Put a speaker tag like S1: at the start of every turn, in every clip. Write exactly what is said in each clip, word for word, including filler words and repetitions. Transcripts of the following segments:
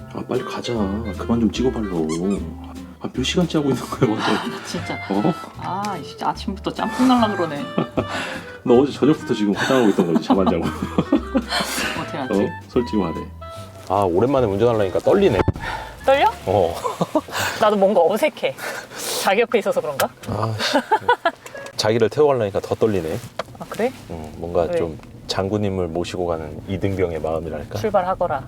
S1: 아 빨리 가자. 그만 좀 찍어 발로. 아 몇 시간째 하고 있는 거야 완전.
S2: 아, 나 진짜.
S1: 어?
S2: 아 진짜 아침부터 짬뽕 날라 그러네.
S1: 너 어제 저녁부터 지금 화장하고 있던 거지 잠 안 자고.
S2: 어떻게 하지?
S1: 어? 솔직히 말해.
S3: 아 오랜만에 운전하려니까 떨리네.
S2: 떨려?
S3: 어.
S2: 나도 뭔가 어색해. 자기 옆에 있어서 그런가?
S3: 아, 씨. 자기를 태워가려니까 더 떨리네.
S2: 아 그래?
S3: 음, 뭔가
S2: 왜?
S3: 좀 장군님을 모시고 가는 이등병의 마음이랄까.
S2: 출발하거라.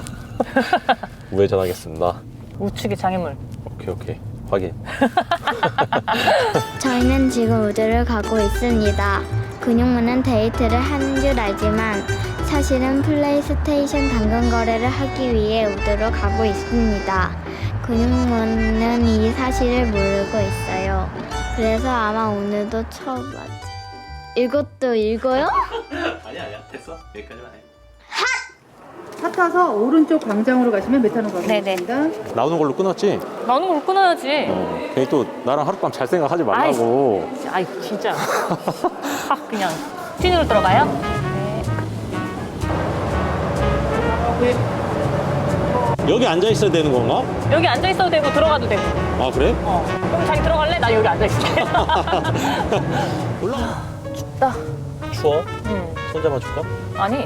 S3: 우회전하겠습니다.
S2: 우측의 장애물.
S3: 오케이 오케이 확인.
S4: 저희는 지금 우주를 가고 있습니다. 근육무는 데이트를 하는 줄 알지만 사실은 플레이스테이션 당근 거래를 하기 위해 우주로 가고 있습니다. 근육무는 이 사실을 모르고 있어요. 그래서 아마 오늘도 처음 봤지. 이것도 읽어요?
S1: 아니야 아니야 됐어 여기까지만 해.
S5: 차 타서 오른쪽 광장으로 가시면 메타노 가고
S2: 네네.
S5: 있습니다.
S3: 나오는 걸로 끊었지?
S2: 나오는 걸 끊어야지.
S3: 어. 괜히 또 나랑 하룻밤 잘 생각하지 말라고.
S2: 아이 진짜. 확 그냥 찐으로 들어가요? 네.
S3: 여기 앉아 있어야 되는 건가?
S2: 여기 앉아 있어도 되고 들어가도 되고.
S3: 아 그래?
S2: 어. 그럼 자기 들어갈래? 나 여기 앉아 있을게.
S3: 올라.
S2: 춥다.
S3: 추워?
S2: 응.
S3: 손 잡아줄까?
S2: 아니.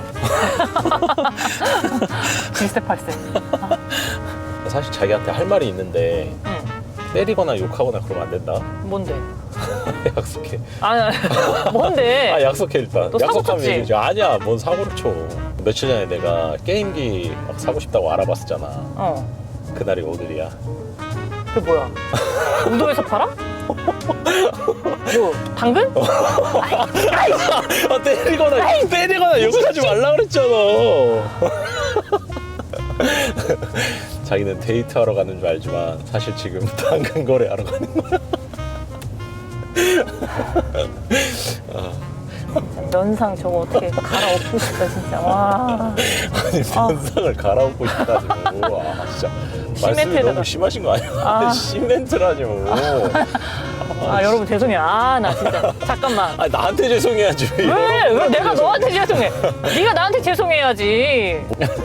S2: 질색팔색.
S3: 사실 자기한테 할 말이 있는데
S2: 응.
S3: 때리거나 욕하거나 그러면 안 된다.
S2: 뭔데?
S3: 약속해.
S2: 아, 뭔데?
S3: 아 약속해 일단.
S2: 너 사고
S3: 약속하면
S2: 쳤지?
S3: 얘기해줘. 아니야 뭔 사고를 쳐. 며칠 전에 내가 게임기 막 사고 싶다고 알아봤었잖아.
S2: 어.
S3: 그날이 오늘이야.
S2: 그게 뭐야? 우도에서 팔아? 뭐 당근?
S3: 아 때리거나 때리거나 욕하지 말라 그랬잖아. 자기는 데이트하러 가는 줄 알지만 사실 지금 당근 거래하러 가는 거야.
S2: 면상 저거 어떻게 갈아엎고 싶다 진짜. 와.
S3: 아니 면상을 갈아엎고 싶다니. 와 진짜 말씀이
S2: 시멘트에다가.
S3: 너무 심하신 거 아니야?
S2: 아.
S3: 시멘트라뇨.
S2: 아 여러분 죄송해요. 아 나 진짜 잠깐만.
S3: 아니 나한테 죄송해야지.
S2: 왜? 왜 내가 너한테 죄송해? 네가 나한테 죄송해야지.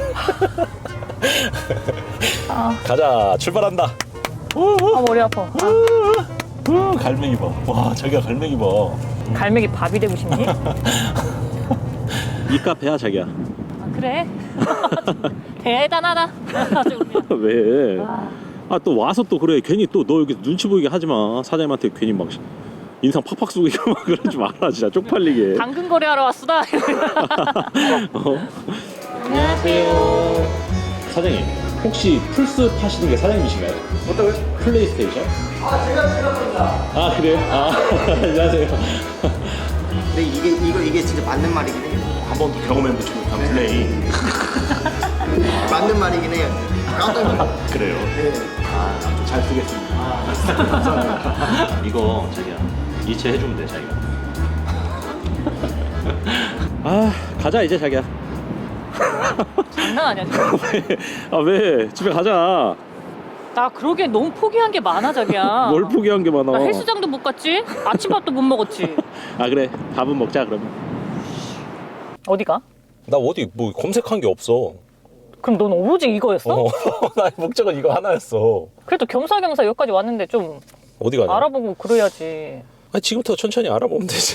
S2: 아,
S3: 가자 출발한다.
S2: 아 머리 아파. 아,
S3: 우, 갈매기 봐. 와 자기가 갈매기 봐.
S2: 갈매기 밥이 되고 싶니?
S1: 이 카페야 자기야.
S2: 아 그래? 대단하다. 아주 그냥.
S1: 왜?
S2: 아,
S1: 아 또 와서 또 그래 괜히 또 너 여기 눈치 보이게 하지 마. 사장님한테 괜히 막 인상 팍팍 쏘고 막 그러지 마라 진짜 쪽팔리게.
S2: 당근 거래하러 왔수다.
S1: 어? 안녕하세요. 사장님 혹시 플스 파시는 게 사장님이신가요?
S6: 어떠고요?
S1: 플레이스테이션?
S6: 아 제가 제가 겁니다.
S1: 아 그래요? 아 안녕하세요.
S6: 근데 이게 이거 이게 진짜 맞는 말이긴 해요.
S1: 한 번도 경험해보지 못한 플레이.
S6: 맞는 말이긴 해요. 깜짝 놀랐어요.
S1: 그래요?
S6: 네.
S1: 잘 쓰겠습니다. 감사합니다. 이거 자기야 이체 해주면 돼 자기가. 아 가자 이제 자기야.
S2: 장난 아니야 지금.
S1: 아 왜? 집에 가자.
S2: 나 그러게 너무 포기한 게 많아 자기야.
S1: 뭘 포기한 게 많아.
S2: 나 헬스장도 못 갔지? 아침밥도 못 먹었지?
S1: 아 그래 밥은 먹자 그러면.
S2: 어디가?
S3: 나 어디 뭐 검색한 게 없어.
S2: 그럼 넌 오로지 이거였어?
S3: 어, 나의 목적은 이거 하나였어.
S2: 그래도 겸사겸사 여기까지 왔는데 좀
S3: 어디 가냐?
S2: 알아보고 그래야지.
S3: 아니 지금부터 천천히 알아보면 되지.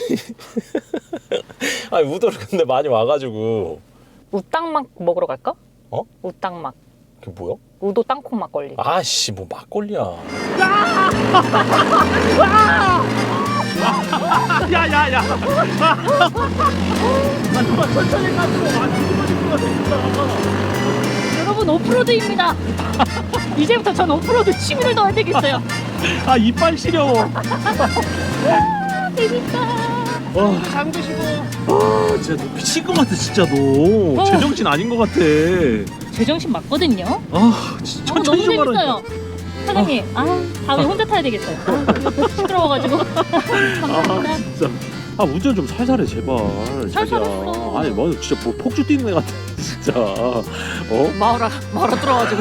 S3: 아니 우도를 근데 많이 와가지고.
S2: 우땅막 먹으러 갈까?
S3: 어?
S2: 우땅막.
S3: 그게 뭐야?
S2: 우도 땅콩 막걸리.
S3: 아씨 뭐 막걸리야.
S1: 야야야.
S2: 여러분 오프로드입니다. 이제부터 전 오프로드 취미를 넣어야 되겠어요.
S1: 아 이빨 시려워.
S2: 재밌다.
S1: 와.
S2: 잠드시고.
S1: 아 진짜 너 미친 것 같아 진짜 너.
S2: 어.
S1: 제정신 아닌 것 같아.
S2: 제정신 맞거든요.
S1: 아 진짜
S2: 어, 너무
S1: 천천히 좀
S2: 재밌어요.
S1: 하라니까.
S2: 사장님, 아, 다음에 혼자 타야 되겠어요. 아, 시끄러워가지고. 감사합니다.
S1: 아 진짜. 아 운전 좀 살살해 제발.
S2: 살살했어.
S1: 자기야. 아니 뭐 진짜 뭐 폭주 뛰는 애 같아 진짜. 어?
S2: 마을아, 마을아 들어가지고.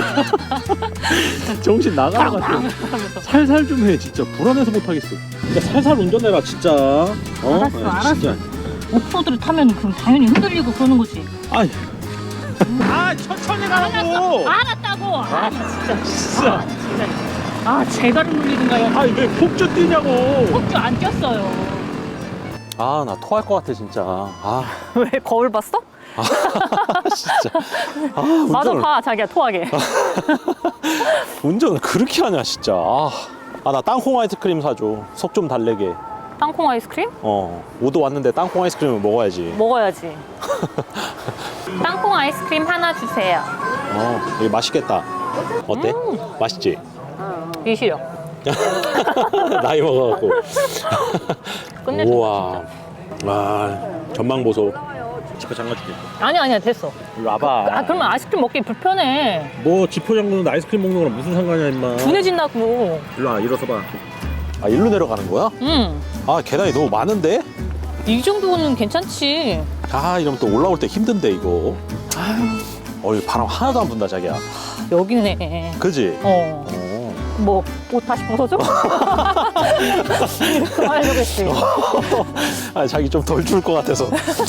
S1: 정신 나가는 것 같아.
S2: 하면서.
S1: 살살 좀 해 진짜 불안해서 못하겠어. 진짜 살살 운전해라 진짜. 어?
S2: 알았어,
S1: 야,
S2: 알았어.
S1: 진짜.
S2: 오프로드를 타면 그럼 당연히 흔들리고 그러는 거지.
S1: 아이 아 천천히
S2: 알았어.
S1: 가라고.
S2: 알았다고. 아, 진짜.
S1: 진짜.
S2: 아, 진짜. 아, 제가를 놀리든가요.
S1: 아니 왜 폭주 뛰냐고.
S2: 폭주 안 꼈어요.
S1: 아 나 토할 것 같아 진짜. 아
S2: 왜 거울 봤어?
S1: 진짜. 아
S2: 맞아,
S1: 운전을
S2: 봐, 자기야, 토하게.
S1: 운전을 그렇게 하냐 진짜. 아 나 땅콩 아이스크림 사줘. 속 좀 달래게.
S2: 땅콩 아이스크림?
S1: 어 오도 왔는데 땅콩 아이스크림을 먹어야지.
S2: 먹어야지. 땅콩 아이스크림 하나 주세요.
S1: 어 이게 맛있겠다. 어때? 맛있지?
S2: 이시려.
S1: 나이 먹어갖고.
S2: 끝내준다,
S1: 우와. 아 전망 보소. 지퍼 잠가줄게.
S2: 아니, 아니야, 됐어.
S1: 이리 와봐.
S2: 아, 그러면 아이스크림 먹기 불편해.
S1: 뭐 지퍼 잠그는데 아이스크림 먹는 거랑 무슨 상관이야 임마.
S2: 둔해진다고.
S1: 일로 와 일어서 봐. 아 일로 내려가는 거야?
S2: 응.
S1: 아 계단이 너무 많은데?
S2: 이 정도는 괜찮지.
S1: 아 이러면 또 올라올 때 힘든데 이거. 어 이거 바람 하나도 안 분다 자기야.
S2: 여기네.
S1: 그지?
S2: 어.
S1: 어.
S2: 뭐, 옷 다시 벗어줘? 그만해주겠지.
S1: 아 자기 좀 덜 추울 것 같아서.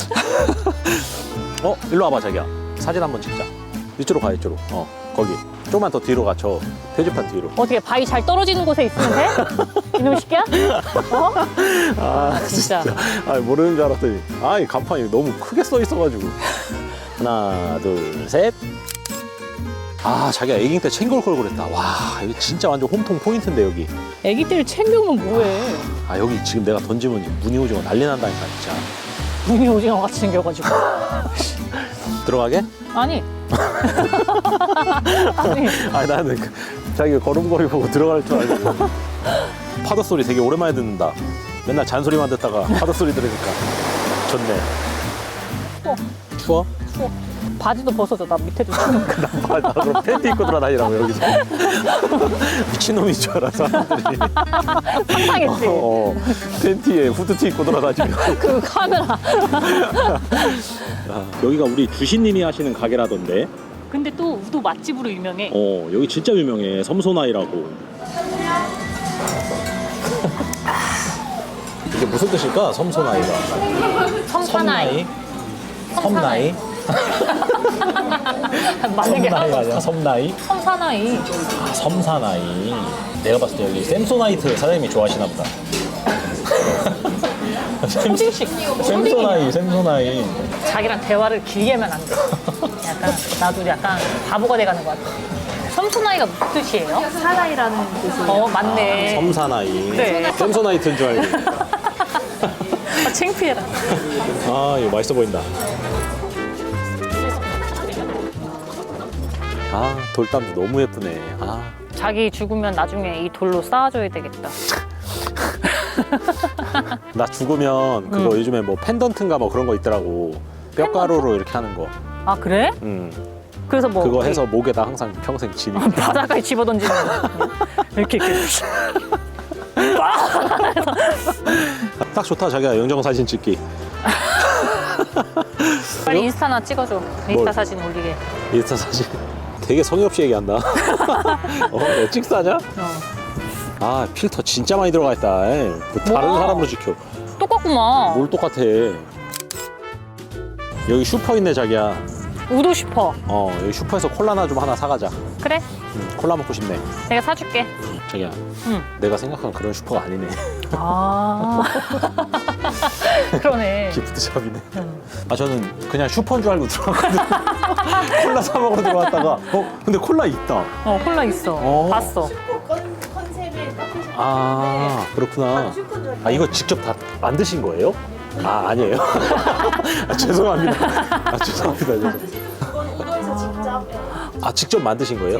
S1: 어 일로 와봐 자기야. 사진 한번 찍자. 이쪽으로 가 이쪽으로. 어 거기. 조금만 더 뒤로 가. 저 표지판 뒤로.
S2: 어떻게 바위 잘 떨어지는 곳에 있으면 돼? 이놈 새끼야? 어?
S1: 아
S2: 진짜.
S1: 아 모르는 줄 알았더니 아이 간판이 너무 크게 써 있어가지고. 하나 둘 셋. 아 자기가 애기 때 챙겨올 걸 그랬다. 와 이게 진짜 완전 홈통 포인트인데 여기.
S2: 애기 때를 챙겨오면 뭐해?
S1: 아 여기 지금 내가 던지면 무늬 오징어 난리 난다니까 진짜.
S2: 무늬 오징어 같이 생겨가지고.
S1: 들어가게?
S2: 아니. 아니.
S1: 아니 나는 그, 자기가 걸음걸이 보고 들어갈 줄 알고. 파도 소리 되게 오랜만에 듣는다. 맨날 잔소리만 듣다가 파도 소리 들으니까 좋네.
S2: 추워.
S1: 추워?
S2: 추워. 바지도 벗어줘. 나 밑에도 추우니까.
S1: 아, 나 그럼 팬티 입고 돌아다니라고 여기서. 미친놈인 줄 알아 사람들이.
S2: 상상했지?
S1: 어, 팬티에 후드티 입고 돌아다니면.
S2: 그 카메라.
S1: 아, 여기가 우리 주신님이 하시는 가게라던데.
S2: 근데 또 우도 맛집으로 유명해.
S1: 어 여기 진짜 유명해. 섬소나이라고. 이게 무슨 뜻일까? 섬소나이가.
S2: 섬사나이.
S1: 섬나이?
S2: 맞는 게
S1: 섬나이
S2: 하나도
S1: 아니야?
S2: 없어.
S1: 섬나이?
S2: 섬사나이.
S1: 아, 섬사나이. 내가 봤을 때 여기 샘소나이트 사장님이 좋아하시나 보다.
S2: 초딩식.
S1: 샘소나이, 샘소나이.
S2: 자기랑 대화를 길게 하면 안 돼. 약간 나도 약간 바보가 돼가는 것 같아. 섬소나이가 무슨 뜻이에요?
S5: 사나이라는 뜻이에요.
S2: 어, 맞네.
S1: 섬사나이.
S2: 그래.
S1: 샘소나이트인 줄 알고.
S2: 아, 창피해라.
S1: 아, 이거 맛있어 보인다. 아, 돌담도 너무 예쁘네. 아.
S2: 자기 죽으면 나중에 이 돌로 쌓아줘야 되겠다.
S1: 나 죽으면 그거
S2: 응.
S1: 요즘에 뭐 펜던트인가 뭐 그런 거 있더라고. 뼈가루로 이렇게 하는 거.
S2: 아, 그래?
S1: 음.
S2: 그래서 뭐
S1: 그거
S2: 우리
S1: 해서 목에다 항상 평생 지니.
S2: 바닷가에 집어던지는 거. 이렇게 이렇게.
S1: 딱 좋다 자기야 영정 사진 찍기.
S2: 빨리 인스타나 찍어줘. 인스타
S1: 뭘?
S2: 사진 올리게.
S1: 인스타 사진. 되게 성의 없이 얘기한다. 어, 너 찍사냐?
S2: 어.
S1: 아 필터 진짜 많이 들어가 있다. 에이, 뭐 다른
S2: 뭐야?
S1: 사람으로 지켜.
S2: 똑같구만.
S1: 뭘 똑같아. 여기 슈퍼 있네 자기야.
S2: 우도 싶어.
S1: 어 여기 슈퍼에서 콜라나 좀 하나 사가자.
S2: 그래?
S1: 응, 콜라 먹고 싶네.
S2: 내가 사줄게.
S1: 자기야
S2: 응.
S1: 내가 생각한 그런 슈퍼가 아니네.
S2: 아. 그러네.
S1: 기프트샵이네.
S2: 응.
S1: 아 저는 그냥 슈퍼인 줄 알고 들어왔거든. 콜라 사 먹으러 들어왔다가 어 근데 콜라 있다.
S2: 어, 콜라 있어.
S1: 어.
S2: 봤어.
S1: 아 그렇구나. 아 이거 직접 다 만드신 거예요? 아 아니에요. 아, 죄송합니다. 아 죄송합니다. 죄송.
S7: 우도에서 직접
S1: 아 직접 만드신 거예요?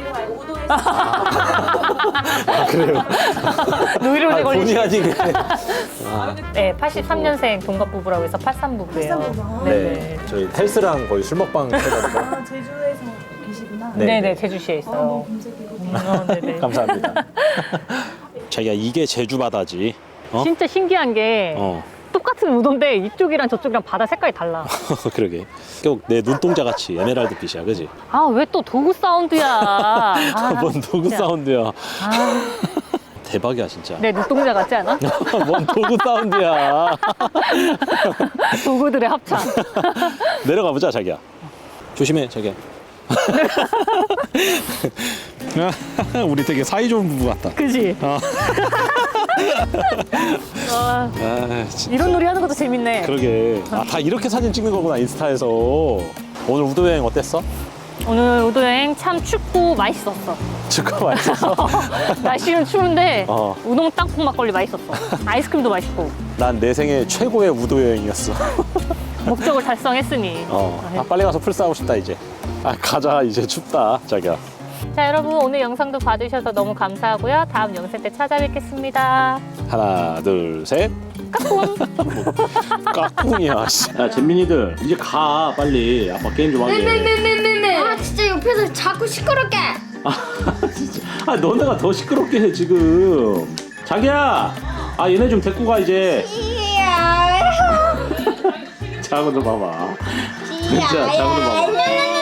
S1: 아 그래요?
S2: 노이로제
S1: 아, 본의
S2: 걸리시.
S1: 아니게. 아,
S2: 네, 팔십삼 년생 동갑 부부라고 해서 팔십삼 부부예요.
S7: 팔십삼 부부.
S2: 네.
S1: 네 저희 텔스랑 거의 술 먹방 해가지고.
S7: 아, 제주에서 계시구나.
S1: 네.
S2: 네, 네, 제주시에
S7: 아,
S2: 있어요.
S7: 너무 검색이고.
S2: 음, 어, 네, 네.
S1: 감사합니다. 자기야 이게 제주 바다지. 어?
S2: 진짜 신기한 게
S1: 어.
S2: 똑같은 우도인데 이쪽이랑 저쪽이랑 바다 색깔이 달라.
S1: 그러게. 꼭 내 눈동자 같이 에메랄드 빛이야, 그지?
S2: 아, 왜 또 도구 사운드야? 아,
S1: 뭔 도구
S2: 진짜.
S1: 사운드야.
S2: 아,
S1: 대박이야 진짜.
S2: 내 눈동자 같지 않아?
S1: 뭔 도구 사운드야.
S2: 도구들의 합창.
S1: 내려가 보자 자기야. 조심해 자기야. 우리 되게 사이좋은 부부 같다.
S2: 그지?
S1: 어.
S2: 아,
S1: 아, 진짜.
S2: 이런 놀이 하는 것도 재밌네.
S1: 그러게. 아, 다 이렇게 사진 찍는 거구나, 인스타에서. 오늘 우도 여행 어땠어?
S2: 오늘 우도 여행 참 춥고 맛있었어.
S1: 축구 맛있었어?
S2: 날씨는 추운데
S1: 어.
S2: 우동 땅콩 막걸리 맛있었어. 아이스크림도 맛있고.
S1: 난 내 생애 최고의 우도 여행이었어.
S2: 목적을 달성했으니.
S1: 어. 아, 빨리 가서 풀싸고 싶다, 이제. 아, 가자. 이제 춥다, 자기야.
S2: 자, 여러분 오늘 영상도 봐주셔서 너무 감사하고요. 다음 영상 때 찾아뵙겠습니다.
S1: 하나, 둘, 셋.
S2: 까꿍.
S1: 까꿍이야. 씨. 야, 잼민이들 이제 가 빨리. 아빠 게임 좀 하게.
S4: 네네네네네. 아 진짜 옆에서 자꾸 시끄럽게.
S1: 아, 진짜. 아, 너네가 더 시끄럽게 해 지금. 자기야. 아, 얘네 좀 데리고 가 이제.
S4: 이야.
S1: 자고 좀 봐봐. 진짜 자고 좀 봐봐.